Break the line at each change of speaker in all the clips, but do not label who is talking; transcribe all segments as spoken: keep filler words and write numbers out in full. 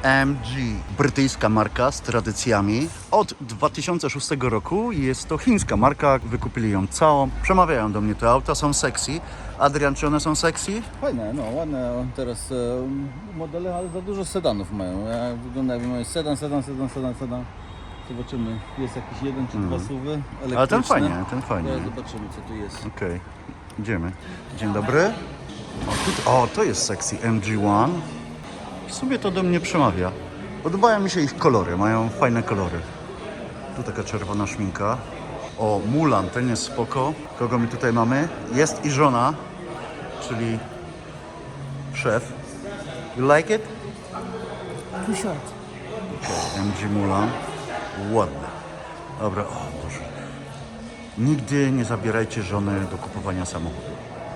M G, brytyjska marka z tradycjami. Od dwa tysiące szóstego roku jest to chińska marka, wykupili ją całą. Przemawiają do mnie te auta, są sexy. Adrian, czy one są sexy?
Fajne, no ładne teraz e, modele, ale za dużo sedanów mają. Ja wygląda jakby mają sedan, sedan, sedan, sedan, sedan. Zobaczymy, jest jakiś jeden czy dwa suwy elektryczne.
Ale ten fajnie, ten fajnie.
Teraz zobaczymy, co tu jest.
Okej, okay. Idziemy. Dzień dobry. O, tu, o, to jest sexy M G jeden. W sumie to do mnie przemawia. Podobają mi się ich kolory, mają fajne kolory. Tu taka czerwona szminka. O, Mulan, ten jest spoko. Kogo my tutaj mamy? Jest i żona, czyli szef. You like it?
Too short.
Okay. M G Mulan. Ładne. Dobra, o Boże. Nigdy nie zabierajcie żony do kupowania samochodu.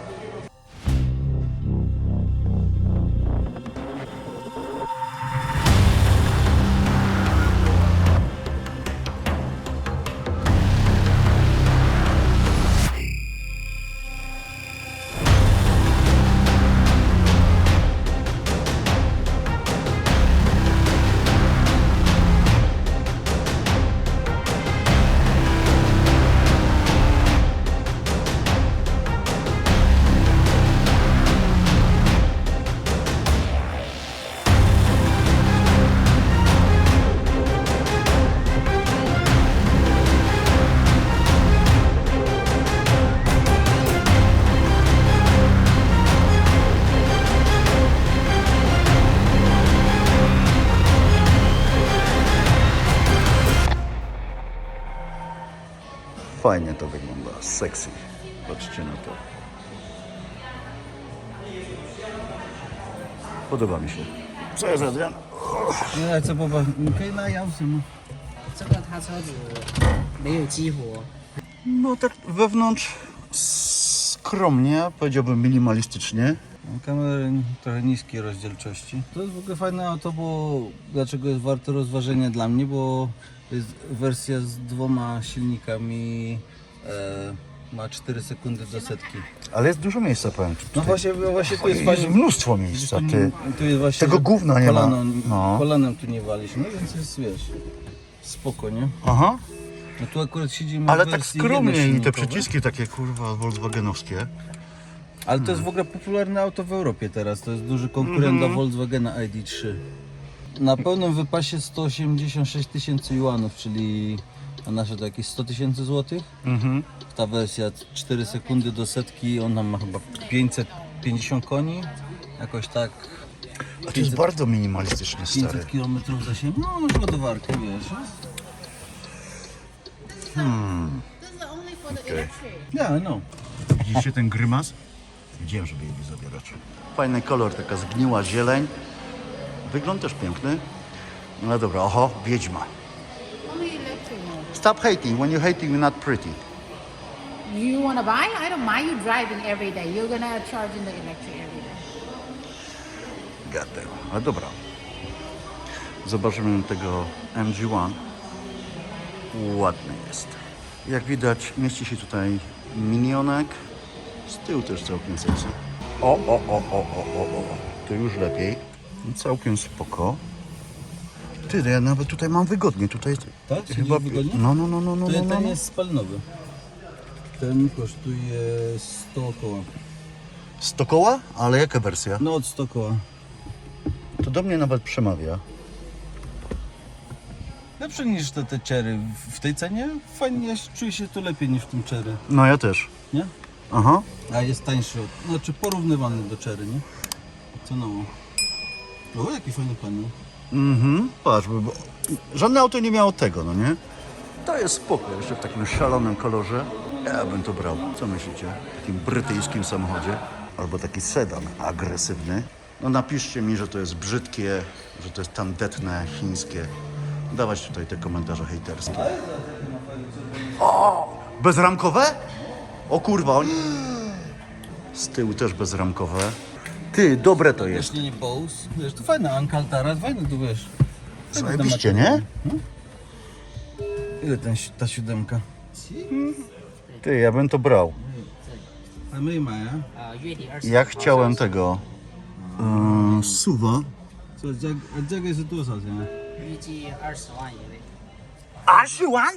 Fajnie to wygląda, sexy. Patrzcie na to. Podoba mi się. Co jest, Adrian?
那这不不，你可以那样子吗？
这个它车子没有激活。
No tak wewnątrz skromnie, powiedziałbym minimalistycznie.
Kamery trochę niskiej rozdzielczości. To jest w ogóle fajne auto, bo dlaczego jest warte rozważenia dla mnie, bo to jest wersja z dwoma silnikami, e, ma cztery sekundy do setki.
Ale jest dużo miejsca, powiem. Tutaj.
No właśnie, właśnie tu jest
Jest
fajnie.
mnóstwo miejsca, ty.
Tu jest właśnie
Tego gówna nie ma.
kolanem,
No.
kolanem tu nie waliśmy, no więc jest, wiesz, spoko, nie?
Aha.
No tu akurat siedzimy
Ale
w
tak
wersji
skromnie i te
jednosilnikowej.
przyciski takie, kurwa, volkswagenowskie.
Ale to jest w ogóle popularne auto w Europie teraz, to jest duży konkurent dla Volkswagena I D trzy. Na pełnym wypasie sto osiemdziesiąt sześć tysięcy juanów, czyli na nasze to jakieś sto tysięcy złotych.
Mhm.
Ta wersja cztery sekundy do setki, ona ma chyba pięćset pięćdziesiąt koni, jakoś tak.
A to jest bardzo minimalistyczne, stary.
pięćset kilometrów zasięgu, no masz ładowarkę, wiesz.
Hmm.
Okay.
Ja, no.
Widzicie ten grymas? Widziałem, żeby jej zabierać. Fajny kolor, taka zgniła zieleń. Wygląd też piękny. No dobra, oho, wiedźma. Stop hating. When you're hating, you're not pretty.
You want to buy? I don't mind you driving every day. You're going to charge in the electric every day.
Goddamn. Ale dobra. Zobaczymy tego M G jeden. Ładny jest. Jak widać, mieści się tutaj minionek. Z tyłu też całkiem sexy. O, o, o, o, o, o, o. To już lepiej. Całkiem spoko. Ty, ja nawet tutaj mam wygodnie. Tutaj
Tak? Chyba wygodnie?
No, no, no, no, no,
Ten,
no,
ten
no.
jest spalinowy. Ten kosztuje sto koła.
sto koła? Ale jaka wersja?
No od sto koła.
To do mnie nawet przemawia.
Lepsze niż te, te Chery. W tej cenie fajnie, ja czuję się tu lepiej niż w tym Chery,
No ja też.
nie?
Aha.
A jest tańszy, od, znaczy porównywalny do Chery, nie? Cenowo. O, jaki fajny panel.
Mhm. Patrz, bo żadne auto nie miało tego, no nie? To jest spoko, jeszcze w takim szalonym kolorze. Ja bym to brał. Co myślicie? W takim brytyjskim samochodzie? Albo taki sedan agresywny. No napiszcie mi, że to jest brzydkie, że to jest tandetne, chińskie. Dawać tutaj te komentarze hejterskie. O! Bezramkowe? O kurwa, oni... Z tyłu też bezramkowe. Ty, dobre to jest.
Jeśli nie Bose, wiesz, to fajne, Alcantara, fajne tu, wiesz.
Zajebiście, nie?
Ile ten, ta siódemka?
Ty, ja bym to brał.
A my ma, ja?
呃，月底二十。
Ja chciałem tego yy, suwa
这这这个是多少钱啊？
预计二十万以内。
二十万?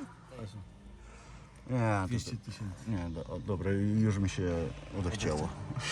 Nie,
dwieście
to,
tysięcy.
nie, do, o, dobra, już mi się odechciało.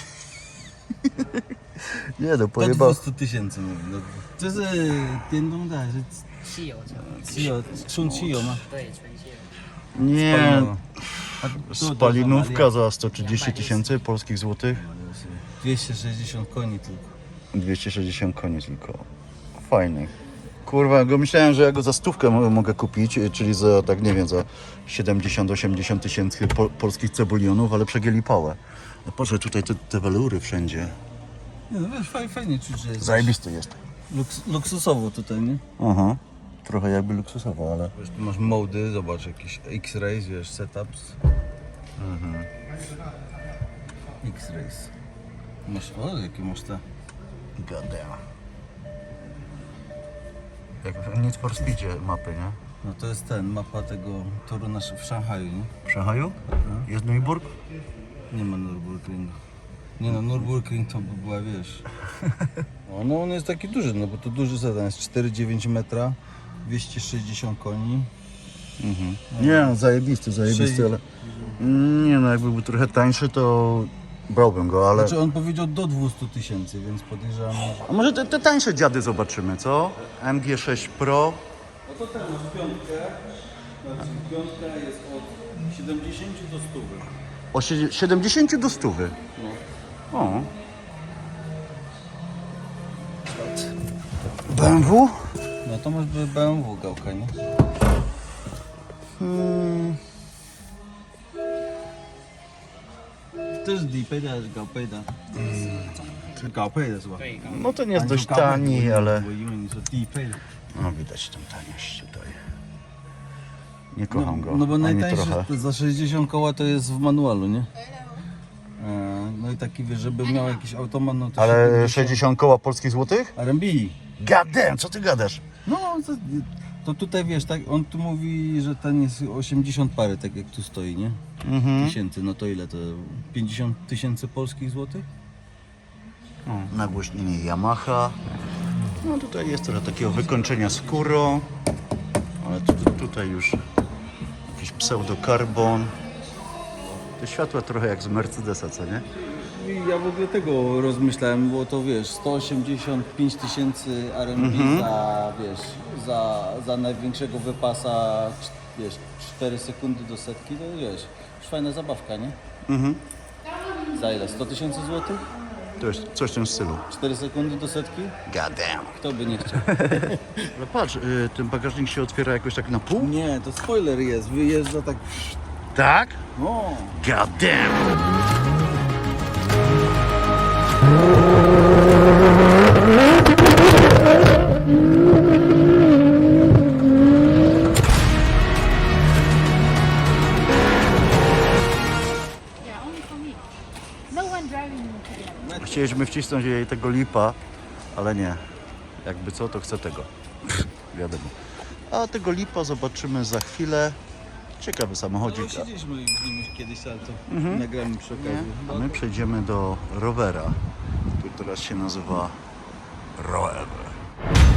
Nie no,
Do
pojebał.
dwieście tysięcy mówię. No, 这是电动的还是
汽油车，
汽油？纯汽油吗？
对，纯汽油。
Nie,
Spalinowa. A to-
spalinówka za sto trzydzieści tysięcy polskich złotych.
dwieście sześćdziesiąt koni tylko.
dwieście sześćdziesiąt koni tylko. Fajnych. Kurwa, go myślałem, że ja go za stówkę mo- mogę kupić, czyli za, tak nie wiem, za siedemdziesiąt osiemdziesiąt tysięcy po, polskich cebulionów, ale przegięli pałę. No proszę, tutaj te, te welury wszędzie.
Nie, no wiesz, fajnie, fajnie czuć, że jest
Zajebisty jest.
luks, luksusowo tutaj, nie?
Aha. Trochę jakby luksusowo, ale...
Wiesz, tu masz mody, zobacz, jakieś X-Rays, wiesz, setups. Mhm. X-Rays. Masz, o, jakie masz te?
God damn. Jak w Need for Speedzie mapy, nie?
No to jest ten, mapa tego toru nasz, w Szanghaju, nie?
W Szanghaju? Jest Nürburg?
Nie ma Nürburgringu. Nie no, Nürburgring to by była, wiesz... No, no on jest taki duży, no bo to duży sedan jest cztery przecinek dziewięć metra, dwieście sześćdziesiąt koni.
Mhm. Nie, no, zajebisty, zajebisty,
Sześć-
ale... Nie no, jakby był trochę tańszy, to brałbym go, ale...
Znaczy on powiedział do dwieście tysięcy, więc podejrzewam, że...
A może te, te tańsze dziady zobaczymy, co? M G sześć Pro.
No to ten masz piątkę, znaczy piątka jest od siedemdziesięciu do stu.
O sie- siedemdziesiąt do stu.
No.
O. B M W?
No to masz B M W gałka, nie?
Hmm.
To jest 低配的还是高配的？是高配的是吧？
对，刚
No ten jest
你说
dość
高配的
tani,
我
ale...
我因为你说低配的。
No widać tą taniość tutaj. Nie kocham go,
No bo
ani
najtańszy
trochę.
to za sześćdziesiąt koła to jest w manualu, nie? E, No i taki wiesz, żeby miał jakiś automat, no to
Ale
siedemdziesiąt
sześćdziesiąt koła polskich złotych?
R M B.
God damn, co ty gadasz?
No to, to tutaj wiesz, tak, on tu mówi, że ten jest osiemdziesiąt parę, tak jak tu stoi, nie?
Mhm.
Tysięcy, no to ile to? pięćdziesiąt tysięcy polskich złotych?
O, nagłośnienie Yamaha. No tutaj jest trochę takiego wykończenia skórą. Ale tu, tu, tutaj już jakiś pseudokarbon. Te światła trochę jak z Mercedesa, co nie?
I ja w ogóle tego rozmyślałem, bo to wiesz, sto osiemdziesiąt pięć tysięcy R M B za, wiesz, za, za największego wypasa, cz- wiesz, cztery sekundy do setki, to wiesz, już fajna zabawka, nie?
Mhm.
Za ile? sto tysięcy złotych?
To jest coś w tym stylu.
cztery sekundy do setki?
God damn.
Kto by nie chciał?
Ale patrz, y, ten bagażnik się otwiera jakoś tak na pół?
Nie, to spoiler jest, wyjeżdża tak...
Tak?
No,
God damn.
Yeah, only for me. No one driving together.
Chcieliśmy wcisnąć jej tego lipa, ale nie. Jakby co, to chcę tego. Wiadomo. A tego lipa zobaczymy za chwilę. Ciekawy samochodzik.
no siedzieliśmy w nim już kiedyś, ale to nagramy przy okazji.
A my przejdziemy do rowera, który teraz się nazywa Rover.